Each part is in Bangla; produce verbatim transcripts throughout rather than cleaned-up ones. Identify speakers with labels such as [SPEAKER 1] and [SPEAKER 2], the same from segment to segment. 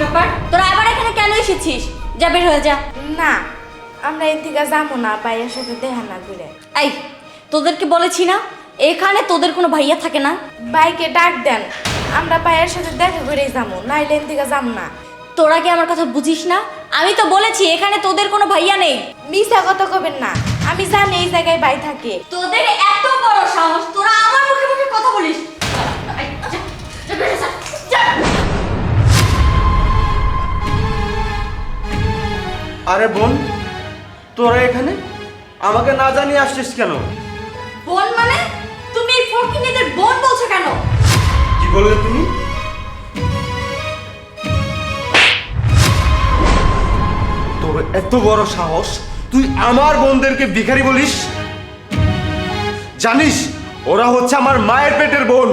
[SPEAKER 1] ব্যাপার, তোরা আবার এখানে কেন এসেছিস? যা বের হয়ে যা।
[SPEAKER 2] না, আমরা এর থেকে যাবো না ভাইয়ের সাথে দেখা না করে।
[SPEAKER 1] এই, তোদেরকে বলেছি না এখানে তোদের কোনো ভাইয়া থাকে না।
[SPEAKER 2] ভাইকে ডাক দেন, আমরা ভাইয়ের সাথে দেখা করেই যাবো, নাইলে এর থেকে যাম না।
[SPEAKER 1] তোরা কি আমার কথা বুঝিস না? আমি তো বলেছি এখানে তোদের কোনো ভাইয়া নেই।
[SPEAKER 2] মিছা কথা কবেন না, আমি জানি এই জায়গায় ভাই থাকে।
[SPEAKER 1] তোদের এত বড় সাহস, তোরা আমার মুখে মুখে কথা বলিস। এই, যা, যা, বের হয়ে যা, যা।
[SPEAKER 3] আরে বোন, তোরা এখানে আমাকে না জানিয়ে আসছিস কেন?
[SPEAKER 1] বোন মানে? তুমি এই ফকিনীদের বোন বলছো কেন?
[SPEAKER 3] কি বললে তুমি? তোর এত বড় সাহস, তুই আমার বোনদেরকে ভিখারি বলিস? জানিস ওরা হচ্ছে আমার মায়ের পেটের বোন।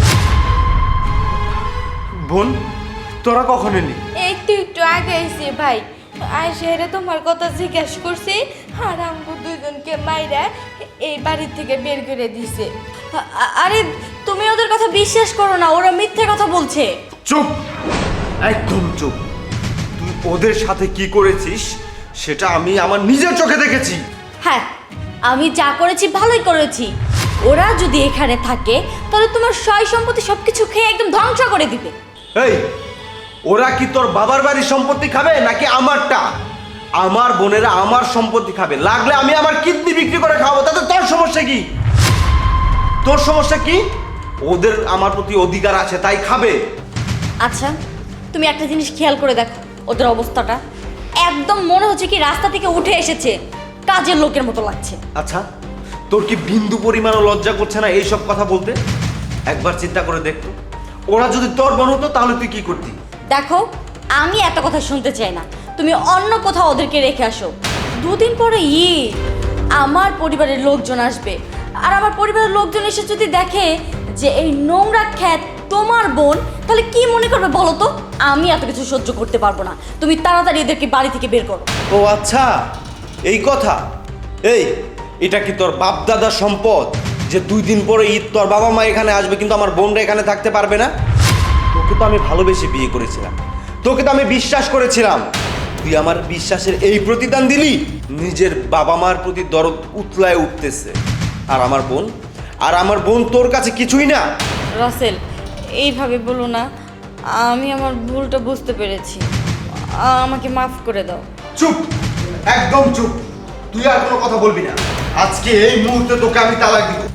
[SPEAKER 3] বোন, তোরা কখন এলি?
[SPEAKER 2] একটু একটু আগে এসে ভাই, আয় শেহরে তোমার কথা জিজ্ঞেস করছি, আর আমগো দুইজনকে মাইরা এই বাড়ি থেকে বের করে দিছে।
[SPEAKER 1] আ- আ- আরে তুমি ওদের কথা বিশ্বাস করো না, ওরা মিথ্যে কথা বলছে।
[SPEAKER 3] চুপ, একদম চুপ। তুই ওদের সাথে কি করেছিস সেটা আমি আমার নিজের চোখে দেখেছি।
[SPEAKER 1] হ্যাঁ, আমি যা করেছি ভালোই করেছি। ওরা যদি এখানে থাকে তাহলে তোমার সয় সম্পত্তি সবকিছু খেয়ে একদম ধ্বংস করে দিবে।
[SPEAKER 3] এই, ওরা কি তোর বাবার বাড়ির সম্পত্তি খাবে নাকি আমারটা? আমার বোনেরা আমার সম্পত্তি খাবে, লাগলে আমি আমার কিডনি বিক্রি করে খাবো, তাতে তোর সমস্যা কি? তোর সমস্যা কি? ওদের আমার প্রতি অধিকার আছে তাই খাবে।
[SPEAKER 1] আচ্ছা, তুমি একটা জিনিস খেয়াল করে দেখো, ওদের অবস্থাটা একদম মনে হচ্ছে কি রাস্তা থেকে উঠে এসেছে, কাজের লোকের মতো লাগছে।
[SPEAKER 3] আচ্ছা, তোর কি বিন্দু পরিমাণও লজ্জা করছে না এইসব কথা বলতে? একবার চিন্তা করে দেখতো, ওরা যদি তোর বোন হতো তাহলে তুই কি করতি?
[SPEAKER 1] দেখো, আমি এত কথা শুনতে চাই না, তুমি অন্য কোথাও ওদেরকে রেখে আসো। দুদিন পরে ঈদ, আমার পরিবারের লোকজন আসবে, আর আমার পরিবারের লোকজন এসে যদি দেখে যে এই নোংরা খ্যাত তোমার বোন, তাহলে কি মনে করবে বলো তো? আমি এত কিছু সহ্য করতে পারবো না, তুমি তাড়াতাড়ি এদেরকে বাড়ি থেকে বের করো।
[SPEAKER 3] ও আচ্ছা, এই কথা। এই, এটা কি তোর বাপ দাদার সম্পদ যে দুই দিন পরে ঈদ তোর বাবা মা এখানে আসবে কিন্তু আমার বোনরা এখানে থাকতে পারবে না? তোকে তো আমি ভালোবেসে বিয়ে করেছিলাম, তোকে তো আমি বিশ্বাস করেছিলাম, তুই আমার বিশ্বাসের এই প্রতিদান দিলি। নিজের বাবা মার প্রতি দরদ উতলায় উঠতেছে, আর আমার বোন আর আমার বোন তোর কাছে কিছুই না।
[SPEAKER 1] রাসেল, এইভাবে বলো না, আমি আমার ভুলটা বুঝতে পেরেছি, আমাকে মাফ করে দাও।
[SPEAKER 3] চুপ, একদম চুপ। তুই আর কোনো কথা বলবি না। আজকে এই মুহূর্তে তোকে আমি তালাক দিব,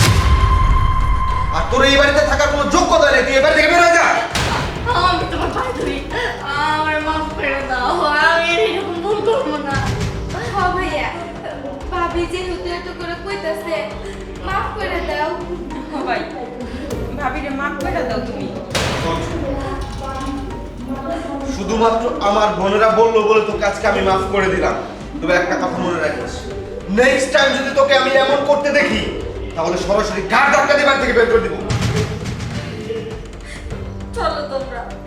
[SPEAKER 3] আর তোর এই বাড়িতে থাকার কোনো যোগ্যতা নেই। তুই এই বাড়ি থেকে বের হয়ে যা।
[SPEAKER 1] আমি তোমার পায়ে ধরি, আমার মাফ করে দাও, আমি এরকম ভুল করবো না।
[SPEAKER 2] হ্যাঁ ভাইয়া, ভাবি যে হতে এত করে কইতাছে, মাফ করে দাও।
[SPEAKER 4] ভাই, ভাবিরে মাফ করে দাও তুমি।
[SPEAKER 3] শুধুমাত্র আমার বোনেরা বললো বলে তোকে আজকে আমি মাফ করে দিলাম। তবে একটা কথা মনে রাখিস, নেক্সট টাইম যদি তোকে আমি এমন করতে দেখি তাহলে সরাসরি গাড় ধাক্কা দিয়ে বাড়ি থেকে বের করে দিব।
[SPEAKER 1] চলো তোমরা।